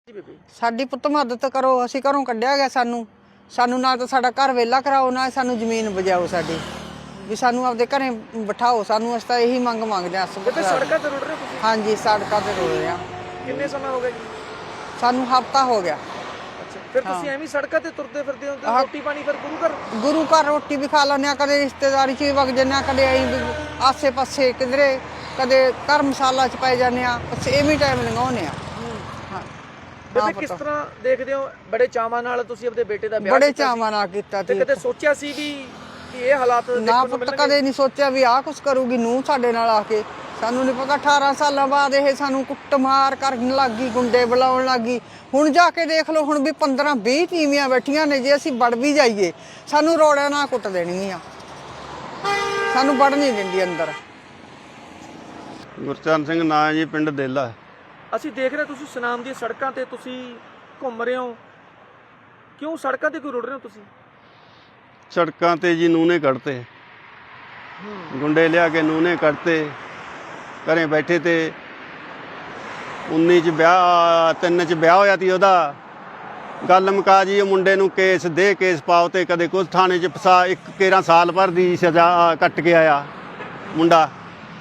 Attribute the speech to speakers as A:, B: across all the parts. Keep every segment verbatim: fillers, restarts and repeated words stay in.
A: ਸਾਡੀ ਪੁੱਤ ਮਦਦ ਕਰੋ, ਅਸੀਂ ਘਰੋਂ ਕੱਢਿਆ ਗਿਆ ਸਾਨੂੰ ਸਾਨੂੰ ਨਾ ਤਾਂ ਸਾਡਾ ਘਰ ਵਿਹਲਾ ਕਰਾਓ, ਨਾ ਸਾਨੂੰ ਜ਼ਮੀਨ ਬਜਾਓ ਸਾਡੀ, ਵੀ ਸਾਨੂੰ ਆਪਦੇ ਘਰੇ ਬਿਠਾਓ। ਸਾਨੂੰ ਅਸੀਂ ਤਾਂ ਇਹੀ ਮੰਗ ਮੰਗਦੇ ਹਾਂ।
B: ਸੜਕਾਂ ਤੇ ਰੁੜ ਰਹੇ ਤੁਸੀਂ?
A: ਹਾਂਜੀ, ਸੜਕਾਂ ਤੇ ਰੁੜ ਰਹੇ ਹਾਂ।
B: ਕਿੰਨੇ ਸਮਾਂ ਹੋ ਗਿਆ ਜੀ?
A: ਸਾਨੂੰ ਹਫ਼ਤਾ ਹੋ ਗਿਆ।
B: ਅੱਛਾ, ਫਿਰ ਤੁਸੀਂ ਐਵੇਂ ਸੜਕਾਂ ਤੇ ਤੁਰਦੇ ਫਿਰਦੇ ਹੋ ਤੇ ਰੋਟੀ ਪਾਣੀ ਫਿਰ ਗੁਰੂ ਘਰ?
A: ਗੁਰੂ ਘਰ ਰੋਟੀ ਵੀ ਖਾ ਲੈਂਦੇ ਹਾਂ, ਕਦੇ ਰਿਸ਼ਤੇਦਾਰੀ 'ਚ ਵੀ ਵਗ ਜਾਂਦੇ ਹਾਂ, ਕਦੇ ਅਸੀਂ ਆਸੇ ਪਾਸੇ ਕਿਧਰੇ, ਕਦੇ ਧਰਮਸ਼ਾਲਾ 'ਚ ਪੈ ਜਾਂਦੇ ਹਾਂ, ਬਸ ਐਵੇਂ ਟਾਈਮ ਲੰਘਾਉਂਦੇ ਹਾਂ।
B: ਬੇਬੇ ਕਿਸ ਤਰ੍ਹਾਂ ਦੇਖਦੇ ਹੋ, ਬੜੇ ਚਾਵਾਂ ਨਾਲ ਤੁਸੀਂ ਆਪਣੇ ਬੇਟੇ ਦਾ ਵਿਆਹ
A: ਬੜੇ ਚਾਵਾਂ ਨਾਲ ਕੀਤਾ
B: ਤੇ ਕਦੇ ਸੋਚਿਆ ਸੀ ਵੀ ਕਿ ਇਹ ਹਾਲਾਤ
A: ਨਾ ਪੁੱਤ, ਕਦੇ ਨਹੀਂ ਸੋਚਿਆ ਵੀ ਆਹ ਕੁਛ ਕਰੂਗੀ ਨੂੰਹ ਸਾਡੇ ਨਾਲ ਆ ਕੇ। ਸਾਨੂੰ ਨਹੀਂ ਪਤਾ ਅਠਾਰਾਂ ਸਾਲਾਂ ਬਾਅਦ ਇਹ ਸਾਨੂੰ ਕੁੱਟਮਾਰ ਕਰਨ ਲੱਗ ਗਈ, ਗੁੰਡੇ ਬੁਲਾਉਣ ਲੱਗ ਗਈ। ਹੁਣ ਜਾ ਕੇ ਦੇਖ ਲਓ, ਹੁਣ ਵੀ ਪੰਦਰਾਂ ਵੀਹ ਤੀਵੀਆਂ ਬੈਠੀਆਂ ਨੇ, ਜੇ ਅਸੀਂ ਵੜ ਵੀ ਜਾਈਏ ਸਾਨੂੰ ਰੋੜਿਆਂ ਨਾਲ ਕੁੱਟ ਦੇਣਗੀਆਂ, ਸਾਨੂੰ ਵੜ ਨਹੀਂ ਦਿੰਦੀ ਅੰਦਰ।
C: ਗੁਰਚਰਨ ਸਿੰਘ ਨਾਂ ਜੀ, ਪਿੰਡ ਦੇਲਾ।
B: ਅਸੀਂ ਦੇਖ ਰਹੇ ਤੁਸੀਂ ਸੁਨਾਮ ਦੀਆਂ ਸੜਕਾਂ ਤੇ ਤੁਸੀਂ ਘੁੰਮ ਰਹੇ ਹੋ, ਕਿਉਂ ਸੜਕਾਂ ਤੇ ਕਿਉਂ ਰੁੜ ਰਹੇ ਹੋ ਤੁਸੀਂ?
C: ਸੜਕਾਂ ਤੇ ਜੀ ਨੂਨੇ ਕੱਢਤੇ, ਗੁੰਡੇ ਲਿਆ ਕੇ ਨੂਨੇ ਕੱਢਤੇ। ਘਰੇ ਬੈਠੇ ਤੇ ਉੱਨੀ ਚ ਵਿਆਹ, ਤਿੰਨ ਚ ਵਿਆਹ ਹੋਇਆ ਤੀ ਉਹਦਾ। ਗੱਲ ਮੁਕਾ ਜੀ, ਉਹ ਮੁੰਡੇ ਨੂੰ ਕੇਸ ਦੇ ਕੇਸ ਪਾਓ ਤੇ ਕਦੇ ਕੁਝ ਥਾਣੇ 'ਚ ਫਸਾ। ਇੱਕ ਕੇਰਾਂ ਸਾਲ ਭਰ ਦੀ ਸਜ਼ਾ ਕੱਟ ਕੇ ਆਇਆ ਮੁੰਡਾ।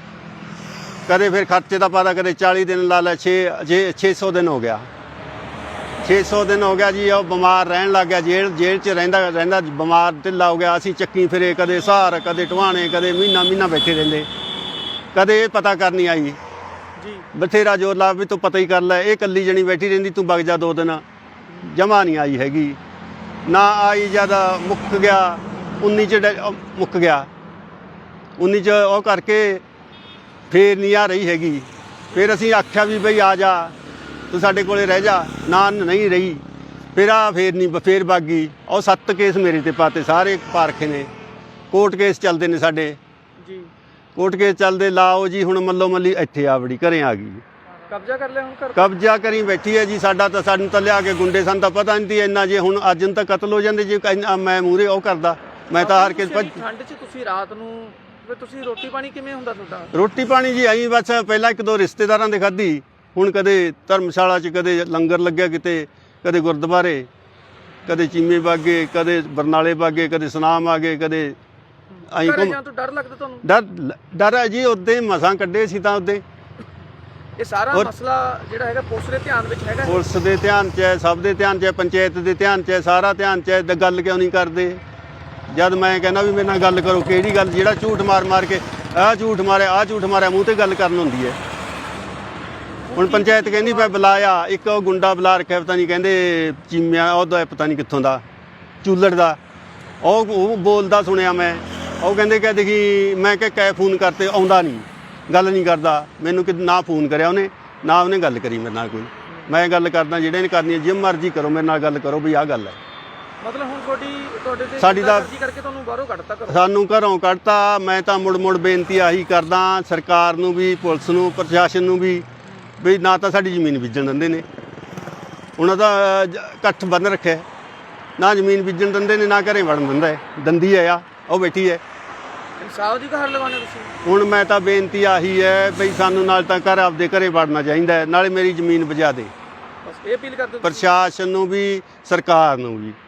C: ਕਦੇ ਫਿਰ ਖਰਚੇ ਦਾ ਪਤਾ, ਕਦੇ ਚਾਲੀ ਦਿਨ ਲਾ ਲੈ, ਛੇ ਜੇ ਛੇ ਸੌ ਦਿਨ ਹੋ ਗਿਆ, ਛੇ ਸੌ ਦਿਨ ਹੋ ਗਿਆ ਜੀ। ਉਹ ਬਿਮਾਰ ਰਹਿਣ ਲੱਗ ਗਿਆ, ਜੇਲ੍ਹ ਜੇਲ੍ਹ 'ਚ ਰਹਿੰਦਾ ਰਹਿੰਦਾ ਬਿਮਾਰ ਢਿੱਲਾ ਹੋ ਗਿਆ। ਅਸੀਂ ਚੱਕੀ ਫਿਰੇ, ਕਦੇ ਸਹਾਰ, ਕਦੇ ਟਵਾਣੇ, ਕਦੇ ਮਹੀਨਾ ਮਹੀਨਾ ਬੈਠੇ ਰਹਿੰਦੇ। ਕਦੇ ਇਹ ਪਤਾ ਕਰਨੀ ਆਈ
B: ਜੀ,
C: ਬਥੇਰਾ ਜ਼ੋਰ ਲਾ ਵੀ ਤੂੰ ਪਤਾ ਹੀ ਕਰ ਲੈ, ਇਹ ਇਕੱਲੀ ਜਣੀ ਬੈਠੀ ਰਹਿੰਦੀ, ਤੂੰ ਵਗ ਜਾ ਦੋ ਦਿਨ। ਜਮ੍ਹਾਂ ਨਹੀਂ ਆਈ ਹੈਗੀ, ਨਾ ਆਈ। ਜਦ ਮੁੱਕ ਗਿਆ ਉੱਨੀ 'ਚ ਮੁੱਕ ਗਿਆ, ਉੱਨੀ 'ਚ ਉਹ ਕਰਕੇ ਫੇਰ ਨਹੀਂ ਆ ਰਹੀ ਹੈਗੀ। ਫਿਰ ਅਸੀਂ ਆਖਿਆ ਵੀ ਬਈ ਆ ਜਾ, ਤੂੰ ਸਾਡੇ ਕੋਲੇ ਰਹਿ ਜਾ, ਨਾ ਨਹੀਂ ਰਹੀ। ਫਿਰ ਆ ਫੇਰ ਨਹੀਂ, ਫੇਰ ਵਗ ਗਈ। ਉਹ ਸੱਤ ਕੇਸ ਮੇਰੇ ਤੇ ਪਾਤੇ, ਸਾਰੇ ਪਾਰਖੇ ਨੇ। ਕੋਰਟ ਕੇਸ ਚੱਲਦੇ ਨੇ ਸਾਡੇ
B: ਜੀ,
C: ਕੋਰਟ ਕੇਸ ਚੱਲਦੇ। ਲਾਓ ਜੀ, ਹੁਣ ਮੱਲੋ ਮੱਲੀ ਇੱਥੇ ਆ ਵੜੀ, ਘਰੇ ਆ ਗਈ।
B: ਕਬਜ਼ਾ ਕਰ ਲਿਆ ਹੁਣ ਘਰ?
C: ਕਬਜ਼ਾ ਕਰੀ ਬੈਠੀ ਹੈ ਜੀ। ਸਾਡਾ ਤਾਂ ਸਾਨੂੰ ਤਾਂ ਲਿਆ ਕੇ ਗੁੰਡੇ, ਸਾਨੂੰ ਤਾਂ ਪਤਾ ਨਹੀਂ ਸੀ ਇੰਨਾ। ਜੇ ਹੁਣ ਅੱਜ ਨੂੰ ਤਾਂ ਕਤਲ ਹੋ ਜਾਂਦੇ ਜੇ ਮੈਂ ਮੂਹਰੇ ਉਹ ਕਰਦਾ। ਮੈਂ ਤਾਂ ਹਾਰ ਕੇ
B: ਠੰਡ 'ਚ ਤੁਸੀਂ ਰਾਤ ਨੂੰ ਫਿਰ ਤੁਸੀਂ ਰੋਟੀ ਪਾਣੀ ਕਿਵੇਂ ਹੁੰਦਾ ਤੁਹਾਡਾ?
C: ਰੋਟੀ ਪਾਣੀ ਜੀ ਆਈ ਬਸ, ਪਹਿਲਾਂ ਇੱਕ ਦੋ ਰਿਸ਼ਤੇਦਾਰਾਂ ਦੇ ਖਾਧੀ। ਹੁਣ ਕਦੇ ਧਰਮਸ਼ਾਲਾ 'ਚ, ਕਦੇ ਲੰਗਰ ਲੱਗਿਆ ਕਿਤੇ, ਕਦੇ ਗੁਰਦੁਆਰੇ, ਕਦੇ ਚੀਮੇ ਬਾਗੇ, ਕਦੇ ਬਰਨਾਲੇ ਬਾਗੇ, ਕਦੇ ਸੁਨਾਮ ਆ ਗਏ, ਕਦੇ ਆਈ।
B: ਘਰੇ ਜਾਣ ਤੋਂ ਡਰ ਲੱਗਦਾ ਤੁਹਾਨੂੰ?
C: ਡਰ ਡਰ ਹੈ ਜੀ। ਉੱਦੇ ਮਸਾਂ ਕੱਢੇ ਸੀ ਤਾਂ ਉੱਦੇ।
B: ਇਹ ਸਾਰਾ ਮਸਲਾ ਜਿਹੜਾ ਹੈਗਾ ਪੁਲਿਸ ਦੇ ਧਿਆਨ ਵਿੱਚ ਹੈਗਾ?
C: ਪੁਲਿਸ ਦੇ ਧਿਆਨ 'ਚ ਹੈ, ਸਭ ਦੇ ਧਿਆਨ 'ਚ ਹੈ, ਪੰਚਾਇਤ ਦੇ ਧਿਆਨ 'ਚ ਹੈ, ਸਾਰਾ ਧਿਆਨ 'ਚ ਹੈ। ਤੇ ਗੱਲ ਕਿਉਂ ਨਹੀਂ ਕਰਦੇ? ਜਦ ਮੈਂ ਕਹਿੰਦਾ ਵੀ ਮੇਰੇ ਨਾਲ ਗੱਲ ਕਰੋ, ਕਿਹੜੀ ਗੱਲ? ਜਿਹੜਾ ਝੂਠ ਮਾਰ ਮਾਰ ਕੇ ਆਹ ਝੂਠ ਮਾਰਿਆ, ਆਹ ਝੂਠ ਮਾਰਿਆ, ਮੂੰਹ ਤੇ ਗੱਲ ਕਰਨ ਹੁੰਦੀ ਹੈ। ਹੁਣ ਪੰਚਾਇਤ ਕਹਿੰਦੀ ਮੈਂ ਬੁਲਾਇਆ, ਇੱਕ ਉਹ ਗੁੰਡਾ ਬੁਲਾ ਰੱਖਿਆ, ਪਤਾ ਨਹੀਂ ਕਹਿੰਦੇ ਚੀਮਿਆ ਉਹਦਾ, ਪਤਾ ਨਹੀਂ ਕਿੱਥੋਂ ਦਾ, ਚੂਲੜ ਦਾ। ਉਹ ਉਹ ਬੋਲਦਾ ਸੁਣਿਆ ਮੈਂ। ਉਹ ਕਹਿੰਦੇ ਕਿ ਦੇਖੀ, ਮੈਂ ਕਿ ਕੈ ਫੋਨ ਕਰਤੇ, ਆਉਂਦਾ ਨਹੀਂ, ਗੱਲ ਨਹੀਂ ਕਰਦਾ। ਮੈਨੂੰ ਕਿ ਨਾ ਫੋਨ ਕਰਿਆ ਉਹਨੇ, ਨਾ ਉਹਨੇ ਗੱਲ ਕਰੀ ਮੇਰੇ ਨਾਲ ਕੋਈ। ਮੈਂ ਗੱਲ ਕਰਦਾ, ਜਿਹੜੇ ਨੇ ਕਰਨੀ ਹੈ ਜਿਵੇਂ ਮਰਜ਼ੀ ਕਰੋ, ਮੇਰੇ ਨਾਲ ਗੱਲ ਕਰੋ ਵੀ ਆਹ ਗੱਲ ਹੈ।
B: ਮਤਲਬ ਹੁਣ ਤੁਹਾਡੀ ਤੁਹਾਡੇ ਤੇ
C: ਸਾਡੀ ਤਾਂ
B: ਕਰਕੇ ਤੁਹਾਨੂੰ ਬਾਹਰੋਂ ਕੱਢਤਾ ਕਰੋ? ਸਾਨੂੰ
C: ਘਰੋਂ ਕੱਢਤਾ। ਮੈਂ ਤਾਂ ਮੁੜ ਮੁੜ ਬੇਨਤੀ ਆਹੀ ਕਰਦਾ ਸਰਕਾਰ ਨੂੰ ਵੀ, ਪੁਲਿਸ ਨੂੰ, ਪ੍ਰਸ਼ਾਸਨ ਨੂੰ ਵੀ, ਵੀ ਨਾ ਤਾਂ ਸਾਡੀ ਜ਼ਮੀਨ ਬੀਜਣ ਦਿੰਦੇ ਨੇ, ਉਹਨਾਂ ਦਾ ਇਕੱਠ ਬੰਨ ਰੱਖਿਆ, ਨਾ ਜ਼ਮੀਨ ਬੀਜਣ ਦਿੰਦੇ ਨੇ, ਨਾ ਘਰੇ ਵੜਨ ਦਿੰਦਾ ਹੈ। ਦੰਦੀ ਹੈ ਆ, ਉਹ ਬੈਠੀ ਹੈ।
B: ਇਨਸਾਫ ਦੀ ਗੁਹਾਰ ਲਗਾਉਣੇ ਤੁਸੀਂ?
C: ਹੁਣ ਮੈਂ ਤਾਂ ਬੇਨਤੀ ਆਹੀ ਹੈ ਬਈ ਸਾਨੂੰ ਨਾਲ ਤਾਂ ਘਰ ਆਪਦੇ ਘਰੇ ਵੜਨਾ ਚਾਹੀਦਾ, ਨਾਲੇ ਮੇਰੀ ਜ਼ਮੀਨ ਬਜਾ ਦੇ।
B: ਬਸ ਇਹ ਅਪੀਲ ਕਰਦੇ
C: ਪ੍ਰਸ਼ਾਸਨ ਨੂੰ ਵੀ, ਸਰਕਾਰ ਨੂੰ ਵੀ।